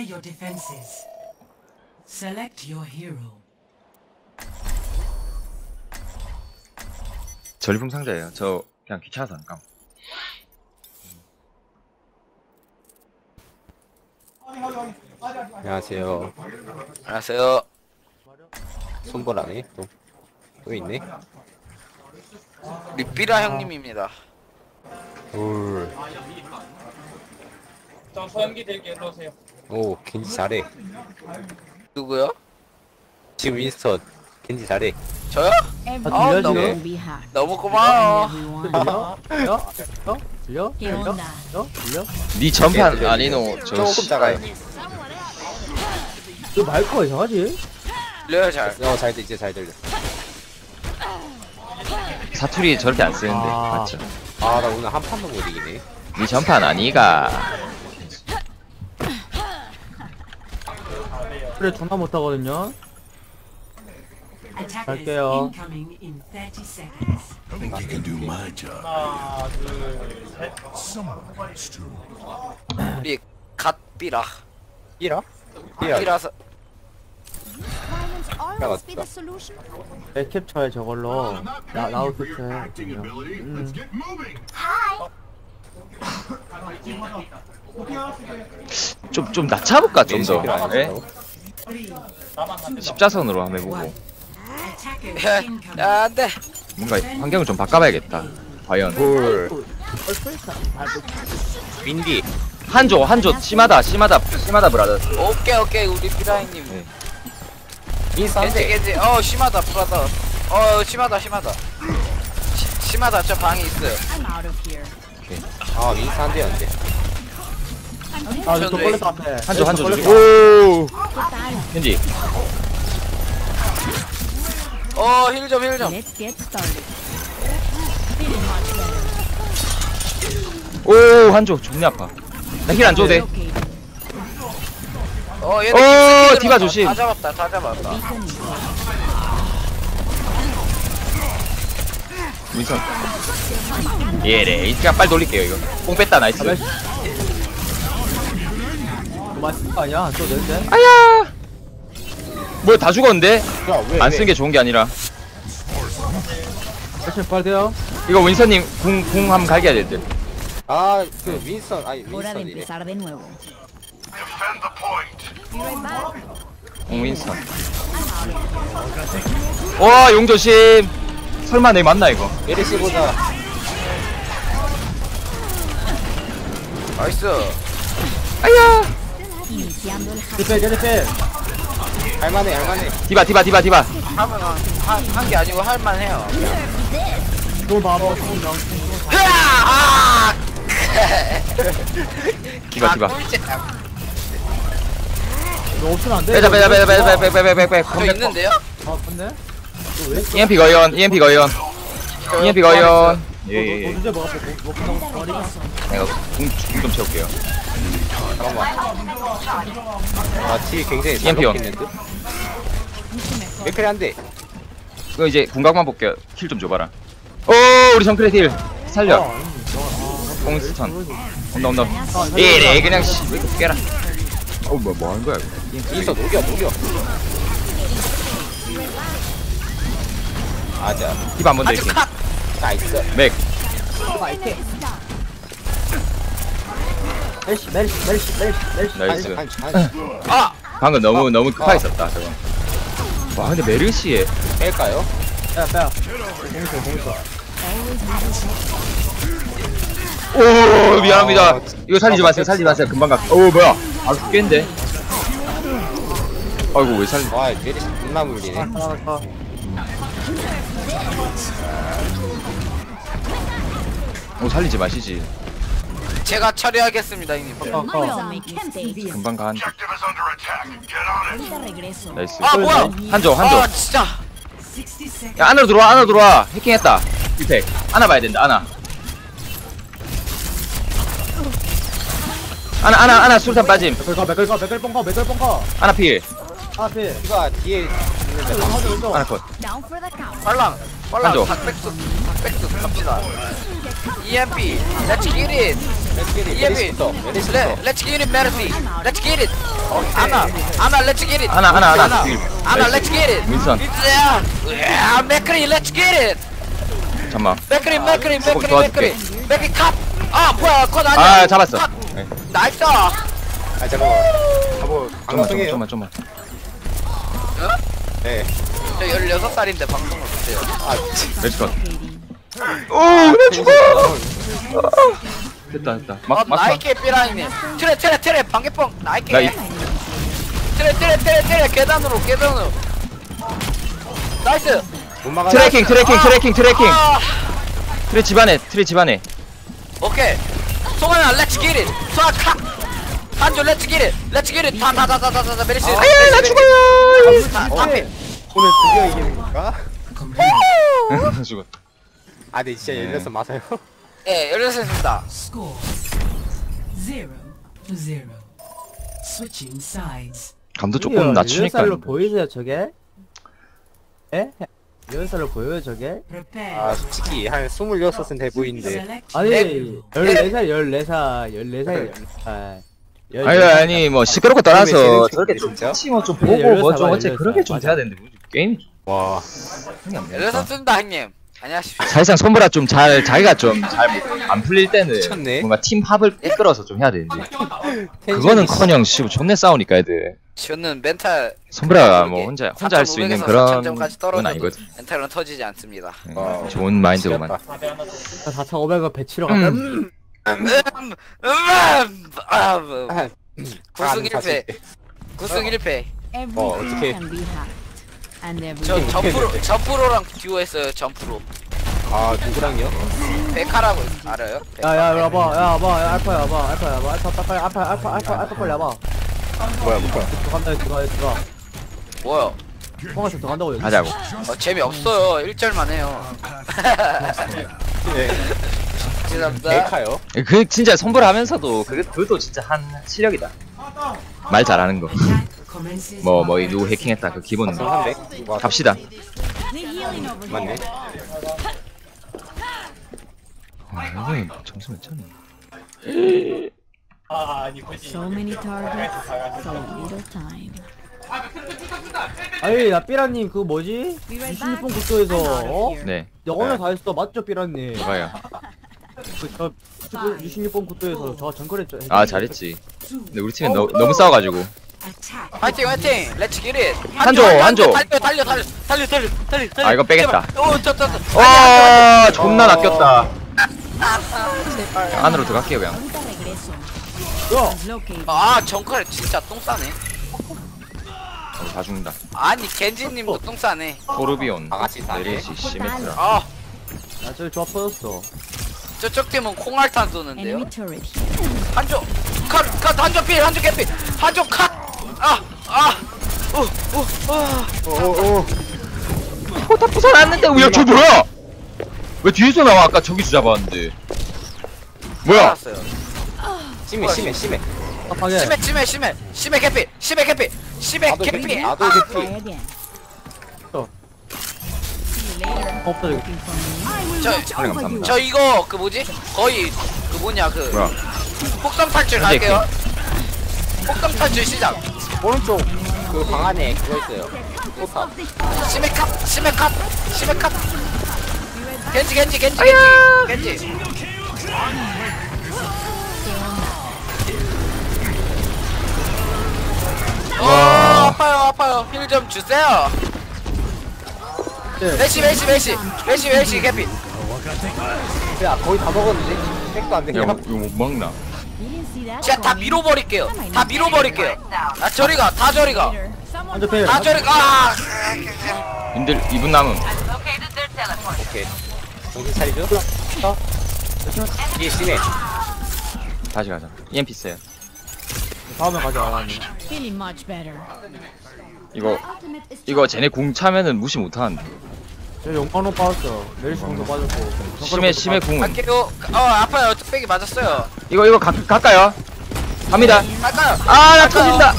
your defenses. Select your hero. 전리품 상자예요. 저 그냥 귀찮아서 안 감. 안녕하세요. 안녕하세요. 손보라네. 또 있네. 우리 삐라 형님입니다. 울. 저 소염기 들게 일로 오세요. 오, 겐지 잘해. 누구요? 지금 윈스턴 겐지 잘해. 저요? 들려, 너무 지금? 너무 고마워. 들려? 니 전판 아니노 저 조금 작아요. 너 마이크가 이상하지? 들려요 잘. 잘 들려, 이제 잘 들려. 사투리 저렇게 안 쓰는데 아. 맞죠? 아, 나 오늘 한 판도 못 이기네. 니 전판 아니가. 그래 존나 못하거든요. Attackers 갈게요. incoming in 30 seconds. 하나, 둘, 셋. 우리 갓 삐라. 삐라? 삐라. 삐라서 맞다. 내 캡처해 저걸로 라우스트 해. 좀 낮춰볼까 좀 더. 네? 나만 안 된다. 십자선으로 한번 해보고 Attackers 야, incoming. 야, 안 돼. 뭔가 환경을 좀 바꿔봐야겠다. 과연 볼. 윈디. 한조 심하다 브라더. 오케이 우리 삐라 형님. 네. 윈스턴 한 대. 겐지. 심하다 브라더. 심하다. 심하다. 저 방에 있어요. 아, 윈스턴 한 대였는데. 아저 걸렸다 앞에. 한조 걸렸다. 오 현지 힐 좀. Let's get started. 오 한조 존나 아파. 나 힐 안 줘도 돼. 얘네 디바 조심. 다 잡았다. 민선 예래 그냥 빨리 돌릴게요 이거. 뽕 뺐다 나이스. 너 맞은 거 아니야? 또 내는데? 아야 뭐야 다 죽었는데? 야, 왜? 안 쓰는 게 좋은 게 아니라 액션 빨리 돼요. 이거 윈선님 궁 한번 갈겨야 될 듯. 아, 그 윈스턴, 아니 Hora de 윈스턴이래. empezar de nuevo. 윈선. 와 용조심. 설마 내 맞나 이거? 메르시 보자. 나이스. 아야 Iniciando el 제리필 제리필. 할만해. 디바 하면 한 게 아니고 할만해요. 너 봐봐. 디바 너 없으면 안 돼. 빼자 저 있는데요? 아 맞네. EMP 거연 예예 너 언제 먹었어? 뭐 끝나고 머리가. 내가 궁 좀 채울게요. 아, 티 굉장히 잘 EMP 온. 먹겠는데? 맥클이 한 대. 이거 이제 궁각만 볼게요. 킬 좀 줘봐라. 오 우리 정크레 딜 살려. 공스턴 온다 예래 그냥 씨 깨라. 뭐 하는 거야 이거. 윈스턴 녹여. 아자. 디바 한번 더 아주 이렇게 컷. 나이스. 맥 멜시. 나이스. 한 방금 너무 급하게 썼다 저거. 와 근데 메르시에 뺄까요? 빼야. 오 미안합니다. 이거 살리지 마세요. 금방 가. 오 뭐야? 아 죽겠는데. 아이고 왜 살리? 와, 메르시 겁나 물리네. 하나. 오 살리지 마시지. 제가 처리하겠습니다, 형님. Don't make mistakes. 금방 가. Ahorita regreso. 나이스. 뭐야? 한조. 진짜. 60 seconds. 야 안으로 들어와. 해킹했다. 딜팩. 하나 봐야 된다. 하나 술탄 빠짐. 맥을 뻥커. 하나 필. 앞에. 이거 뒤에 하나 컷. Down for the count. 빨랑. 한조. 닭백숙 갑시다. EMP, let's get it. 메리시부터. Let's get it, Mercy. Let's get it. Anna, let's get it. 하나. Anna, let's get it. 윈선. Yeah, Mercury, let's get it. 잠만. Mercury, 도와줄게. Mercury 컷. 아, 뭐야, 컷 아니야. 아 잡았어. 컷. 네. 나이스. 아 잠깐만. 뭐 방송해요? 좀만. 네. 저 16살인데 방송을 못해요. 아 렛츠고. 오, 나 죽어. 됐다. 막 나이키 삐라이네. 트레 방개뽕 나이키. 나 이- 트레 계단으로. 나이스. 못 막아. 트래킹. 아, 트레 집안에. 오케이. 송하나 렛츠 기 잇. 송하 카. 한조 렛츠 기 잇. 다 메리시. 아야, 나 죽어요. 담비. 오늘 드디어 이기는 건가? 죽었. 아 근데 진짜 열려서 맞아요. 예, 열렸습니다. Score 0-0. Switching sides. 감도 조금 낮추니까. 10살로 보이세요 저게? 에? 10살로 보여요 저게? Prepare. 아 솔직히 한 26은 돼 보이는데. Select 아니 14살 아니 뭐 시끄럽고 떠나서 재능 저렇게 충분히 좀 진짜? 같이 뭐좀 네, 보고 뭐 좀 16살, 어째 그렇게 좀 맞아. 돼야 되는데 뭐 게임이 좀 와. 생각 안 나니까. 열렸습니다, 형님. 안녕하십시오. 사실상 손보라 좀 잘 자기가 좀 잘 안 풀릴 때는 미쳤네. 뭔가 팀 합을 이끌어서 좀 해야 되는데 그거는커녕 씨 존내 싸우니까 애들 저는 멘탈 손보라가 뭐 혼자 할 수 있는 그런 4,500에서 건 4,000점까지 아니거든. 멘탈은 터지지 않습니다. 좋은 마인드구만. 4,500원 배치러 갔다 9승 1패. 9승 1패. Everything 어떡해. can be hacked. And 저 everything. 점프로랑 듀오했어요. 점프로. 아 누구랑요? 베카라고 알아요? 야야 와봐 알파 빨리 와봐 뭐야. 들어가 뭐요? 뻥아서 들어간다고 여기 하자고. 재미없어요. 1절만 해요. 네. 죄송합니다. 메카요? 그 진짜 손보라 하면서도 그것도 진짜 한 실력이다. 말 잘하는 거. attack commences. 뭐 이 누구 해킹했다 그 기본. 300? 와 갑시다. The healing over 맞네. here. 이거 점수 몇 차네. 아니 뭐지? So many targets, so little time. 아니 야 삐라님 그거 뭐지? Be right back. 26번 국도에서 I'm out of 어? here. 네. 영어는 다 했어 맞죠 삐라님? 뭐야? 저 66번 국도에서 저 정글했죠 아 잘했지. 근데 우리 팀은 너무 싸워가지고. Attack. 화이팅. 렛츠 기릿. 한조. 달려. 아 이거 빼겠다. 저. 와 존나 낚였다. 안으로 들어갈게요 그냥. Ahorita regreso. 야! Located. 아, 정칼 진짜 똥 싸네. 다 죽는다. 아니, 겐지님도 똥 싸네. 토르비온, 다 같이 싸네. 메리시, 시메트라. 아, 야 저기 조합 터졌어 저쪽 팀은 콩알탄 쏘는데요. Enemy turret here. 한조 컷 한조 필 한조 개필 한조 컷. 오오오. 다 부숴놨는데 왜저 뭐야? 왜 뒤에서 나와? 아까 저기서 잡았는데. 뭐야? 알았어요. 심해. 답하게 심해 개필 심해 나도 개필. 개피. 나도 Try 개피. again. 어. See you later. 없다 저기 Looking for me. 사랑 감사합니다. 저 이거 그 뭐지? 거의 그 뭐냐 그 뭐야? 폭성 탈출 갈게요. 폭성 탈출 시작. 오른쪽 그 방 안에 그거 있어요. 포탑. 심해 컷. 겐지. 아파요. 힐 좀 주세요. 네. 메시 개피. 야 거의 다 먹었는데? 백도 안 야 되냐? 이거 못 먹나? You didn't see that 제가 다 coming. 밀어버릴게요. 다 저리가. Later. Someone 한조 필 다 저리가. 님들 2분 남음. 오케이. 정신 차리죠? 이게 심해. 다시 가자. EMP 세요. 다음에 가자 feeling much better. 이거 쟤네 궁 차면은 무시 못하는데. 저 용광로 빠졌어 메리시 공도 빠졌고 심해 궁은. 갈게요. 아파요. 뚝배기 맞았어요. 이거 갈까요? 갑니다. 갈까요? 아 나 터진다.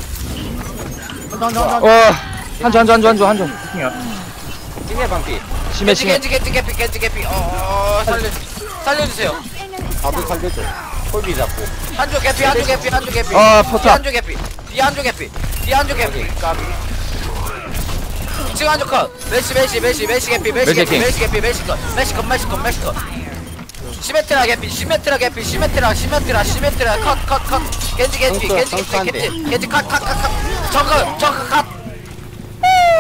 한조. 심해 반피. 심해. 겐지 개피. 살려주세요. 나도 살려줘. 콜비 잡고. 한쪽 개피 한쪽 개피 한쪽 개피 아, 포탑. 한쪽 개피 뒤 한쪽 개피 뒤 한쪽 개피 까비 2층 한쪽 컷 메시 개피 메시 개피 메시 개피 메시 컷 시메트라 개피 시메트라 컷 겐지 컷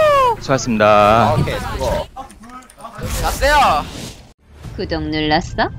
수고하셨습니다. 오케이, 수고. 갔어요 구독 눌렀어?